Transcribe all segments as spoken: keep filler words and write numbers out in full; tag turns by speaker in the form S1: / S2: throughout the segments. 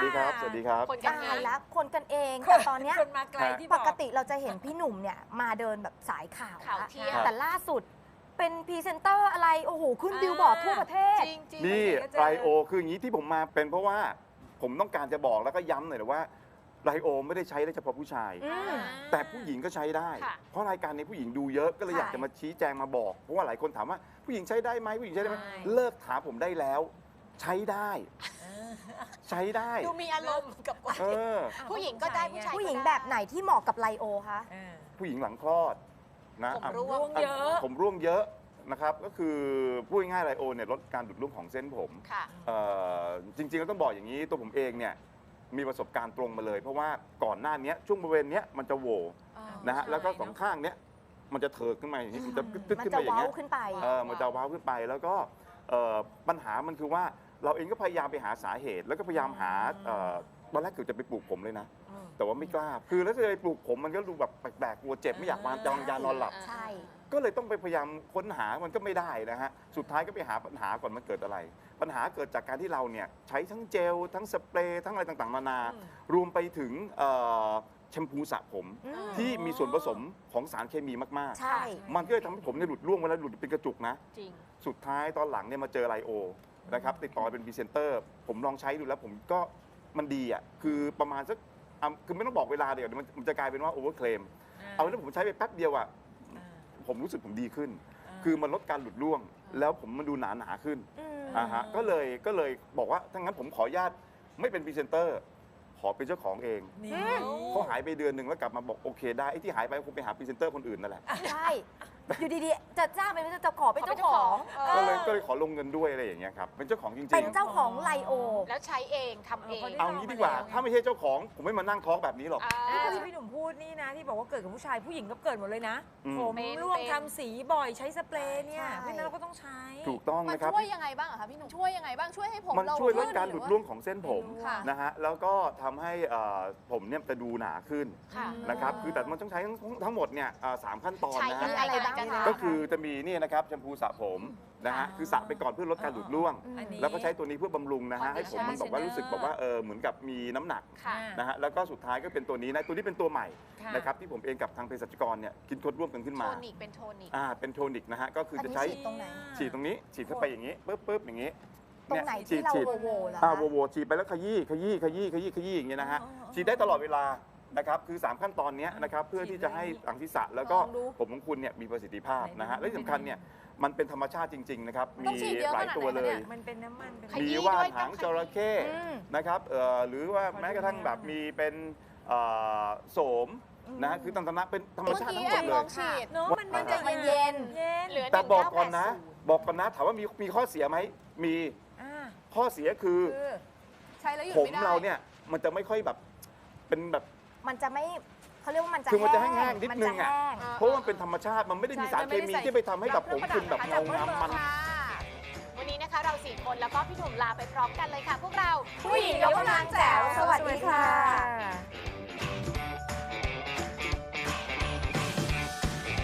S1: ดีครับสวัสดีครับ
S2: คนกัน
S3: ตายละคนกันเอง
S4: ค
S3: แต่
S4: น
S3: ตอนเนี้ย
S4: คนมาไกลที่บ
S3: ป
S4: อก
S3: กติเราจะเห็นพี่หนุ่มเนี่ยมาเดินแบบสายข่าว
S2: ข่าว
S3: ละ
S2: เที่ยง
S3: แต่ล่าสุดเป็นพรีเซนเตอร์อะไร โอ้โห ขึ้นบิลบอร์ดทั่วประเทศ
S2: จริงจริง
S1: นี่
S4: ก็เจอ
S1: ไรโอคืออย่างนี้ที่ผมมาเป็นเพราะว่าผมต้องการจะบอกแล้วก็ย้ำหน่อยนะว่าไรโอไม่ได้ใช้ได้เฉพาะผู้ชาย
S3: อืม
S1: แต่ผู้หญิงก็ใช้ได้
S2: ค่ะ
S1: เพราะรายการนี้ผู้หญิงดูเยอะก็เลย
S3: ใช่
S1: อยากจะมาชี้แจงมาบอก เพราะว่าหลายคนถามว่าผู้หญิงใช้ได้ไหมผู้หญิงใช้ได้ไหม
S4: ใช่
S1: เลิกถามผมได้แล้ว ใช้ได้ ใช้ได้
S2: ดูมีอารมณ์กับคน
S1: เออ
S2: ผู้หญิงก็ได้ผู้ชาย
S3: ผู้หญิงแบบไหนที่เหมาะกับไลโอคะ
S4: เออ
S1: ผู้หญิงหลังคลอดนะ
S2: ผม
S1: อ่ะ
S2: ร่ว
S4: ร่ว
S2: ง
S4: งเยอะ
S1: ผมร่วงเยอะนะครับก็คือพูดง่ายๆไรโอเนี่ยลดการดูดร่วงของเส้นผม
S2: ค่ะ
S1: เอ่อจริงๆก็ต้องบอกอย่างนี้ตัวผมเองเนี่ยมีประสบการณ์ตรงมาเลย เพราะว่าก่อนหน้านี้ช่วงบริเวณเนี้ยมันจะโหวนะฮะ
S4: ใช่
S1: แล้วก็สอง
S4: เนอะ
S1: ข้างเนี้ยมันจะเถิกขึ้นมาอย่างนี้มันจะตึ๊ด
S3: มัน
S1: ขึ้น
S3: จะ
S1: ไปอย่าง
S3: เว้า
S1: เงี้ย
S3: ขึ้นไป
S1: เออมันจะว้าวขึ้นไปแล้วก็เอ่อปัญหามันคือว่าเราเองก็พยายามไปหาสาเหตุ แล้วก็พยายามหาเอ่อตอนแรกเกือบจะไปปลูกผมเลยนะ
S4: อืม
S1: แต่ว่าไม่กล้าคือแล้วจะไปปลูกผมมันก็ดูแบบแปลกๆกลัวเจ็บไม่อยากวางจองยานอนหลับ
S3: ใช่
S1: ก็เลยต้องไปพยายามค้นหามันก็ไม่ได้นะฮะ สุดท้ายก็ไปหาปัญหาก่อนมันเกิดอะไร ปัญหาเกิดจากการที่เราเนี่ยใช้ทั้งเจล ทั้งสเปรย์ ทั้งอะไรต่างๆนานา
S4: อืม
S1: รวมไปถึงเอ่อแชมพูสระผม
S3: อืม
S1: ที่มีส่วนผสมของสารเคมีมาก
S3: ใช่
S1: ๆ มันก็เลยทำให้ผมเนี่ยหลุดร่วงเวลาหลุดเป็นกระจุกนะ
S2: จริง
S1: สุดท้ายตอนหลังเนี่ยมาเจอไลโอนะครับติดต่อเป็นพรีเซนเตอร์ ผมลองใช้ดูแล้วผมก็มันดีอ่ะ คือประมาณสักอ่ะคือไม่ต้องบอกเวลาเดี๋ยวมันมันจะกลายเป็นว่าโอเวอร์เคลม เอาแล้วผมใช้ไปแป๊บเดียวอ่ะ
S4: อ่า
S1: ผมรู้สึกผมดีขึ้น
S4: อ่า
S1: คือมันลดการหลุดร่วง แล้วผมมันดูหนาหนาๆขึ้น
S3: อืม
S1: อ่าฮะก็เลยก็เลยบอกว่าถ้างั้นผมขออนุญาตไม่เป็นพรีเซนเตอร์ ขอเป็นเจ้าของเอง
S4: นี่
S1: เขาหายไปเดือนหนึ่งแล้วกลับมาบอกโอเคได้ไอ้ที่หายไปคงไปหาพรีเซนเตอร์คนอื่นนั่นแหละ
S3: ใช่ อยู่ดีๆ จะจ้างเป็นจะขอเป็นเจ้าของ
S2: เออ
S1: ก็เลยก็เลยขอลงเงินด้วยอะไรอย่างเงี้ยครับเป็นเจ้าของจริง
S3: เป็น
S1: ๆ
S3: เจ้าของไลโอ
S2: แล้วใช้เองทำเอง
S1: เอางี้ดีกว่า ถ้าไม่ใช่เจ้าของผมไม่มานั่งท้องแบบนี้หรอก
S2: อ่า
S4: นี่ที่พี่หนุ่มพูดนี่นะ ที่บอกว่าเกิดกับผู้ชายผู้หญิงก็เกิดหมดเลยนะ
S1: อืม
S4: ผม
S2: เป็น
S4: ร่วง
S2: เป็น
S4: ทำสีบ่อยใช้สเปรย์เนี่ย
S3: ใช่
S4: เพราะฉะนั้นเราก็ต้องใช้
S1: ถูกต้อง
S5: มัน
S1: นะครับ
S5: ช่วยยังไงบ้างอะคะพี่หนุ่มช่วยยังไงบ้างช่วยให้ผม
S1: มัน
S5: เรา
S1: ช่วยลด
S5: ขึ้น
S1: การหลุดร่วงของเส้นผม
S5: ค่ะ
S1: นะฮะแล้วก็ทำให้เอ่อผมเนี่ยจะดูหนาขึ้น
S2: ค่ะ
S1: นะครับคือแต่มันต้องใช้ทั้งทั้งหมดเนี่ยอ่าสามขั้นตอน
S2: ใช้
S1: นะ
S2: ยัง
S1: ฮะ
S2: ไง
S3: อะไรบ้าง
S2: กัน
S3: คะ
S1: ก็คือจะมีนี่นะครับแชมพูสระผมนะฮะ
S4: อ่า
S1: คือสระไปก่อนเพื่อลดการหลุดร่วง
S4: อันนี้
S1: แล้วก็ใช้ตัวนี้เพื่อบำรุงนะฮะให้ผมมันบอกว่า
S4: Conditioner
S1: รู้สึกแบบว่าเออเหมือนกับมีน้ำหนัก
S2: ค่ะ
S1: นะฮะแล้วก็สุดท้ายก็เป็นตัวนี้นะตัวนี้เป็นตัวใหม่
S4: ค่ะ
S1: นะครับที่ผมเองกับทางเภสัชกรเนี่ยคิดค้นร่วมกันขึ้น
S2: โท
S1: มา
S2: นิกเป็นโทนิก
S1: อ่าเป็นโทนิกนะฮะก็คือ
S3: อัน
S1: จะ
S3: นี้
S1: ใช้
S3: ฉีดตรงไหน
S1: ฉีดตรงนี้ฉีดเข้าไปอย่างนี้ปึ๊บปึ๊บอย่างนี้
S3: ตรงไหนที่เรา
S1: ฉีด
S3: โวโวเหรอ
S1: อ่า
S3: คะ
S1: โวโวฉีดไปแล้วขยี้ขยี้ขยี้ขยี้ขยี้อย่างเงี้ยนะฮะ
S4: อ๋ออ๋อ
S1: ฉีดได้ตลอดเวลานะครับคือสามขั้นตอนเนี้ยนะครับเพื่อที่จะให้หลังศีรษะแล้วก็
S5: ลองดู
S1: ผมของคุณเนี่ยมีประสิทธิภาพนะฮะ
S4: ไหนดู
S1: และที่สำคัญเนี่ยมันเป็นธรรมชาติจริงๆนะครับ
S5: ต้อง
S1: มี
S5: ฉีดเยอะ
S1: หลาย
S5: ขนาด
S1: ตัว
S5: ไหน
S1: เล
S5: คะ
S1: ย
S5: เนี่ย
S4: มันเป็นน้ำมันเป็น
S2: ขยี้
S1: มีว่าน
S2: ด้วย
S1: หาง
S2: ต้องขยี้
S1: จระเข้
S3: อืม
S1: นะครับเอ่อหรือว่า
S4: ขอดู
S1: แม้กระทั่ง
S4: หน่อย
S1: แบบมีเป็นเอ่อโสมนะฮะคือตั้งแต่เป็นธรรม
S5: เมื่อ
S1: ชาติ
S5: กี้
S1: ทั้งหม
S5: แอบ
S1: ดเล
S5: ลอย งฉีด
S4: เนาะมัน
S1: มัน
S4: จะ
S3: เย็
S4: เย็
S3: น
S4: นเย็น
S2: เหลือ
S1: แต่บอกก่อนนะ
S2: หงเาแปดศูย์
S1: บอกก่อนนะถามว่ามีมีข้อเสียไหมมี
S4: อ่า
S1: ข้อเสียคือ
S4: คือ
S5: ใช้แล้วหยุด
S1: ผม
S5: ไม่ได้
S1: เราเนี่ยมันจะไม่ค่อยแบบเป็นแบบ
S3: มันจะไม่เขาเรียกว่ามันจะ
S1: คือมันจะ
S3: แห้
S1: แห้งๆนิดนึงอะ
S3: มัจแห้ง
S1: เพราะว่ามันเป็นธรรมชาติมันไม่ได้มีสารเคมีที่ไปทำให้แบบผมคุณแบบเงางามมัน
S2: ค่ะวันนี้นะคะเราสี่คนแล้วก็พี่หนุ่มลาไปพร้อมกันเลยค่ะ พวกเรา
S3: ผู้หญิงยกกำลังแจ๋วสวัสดีค่ะ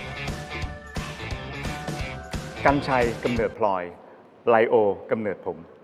S1: กัญชัยกำเนิดพลอยไลโอกำเนิดผม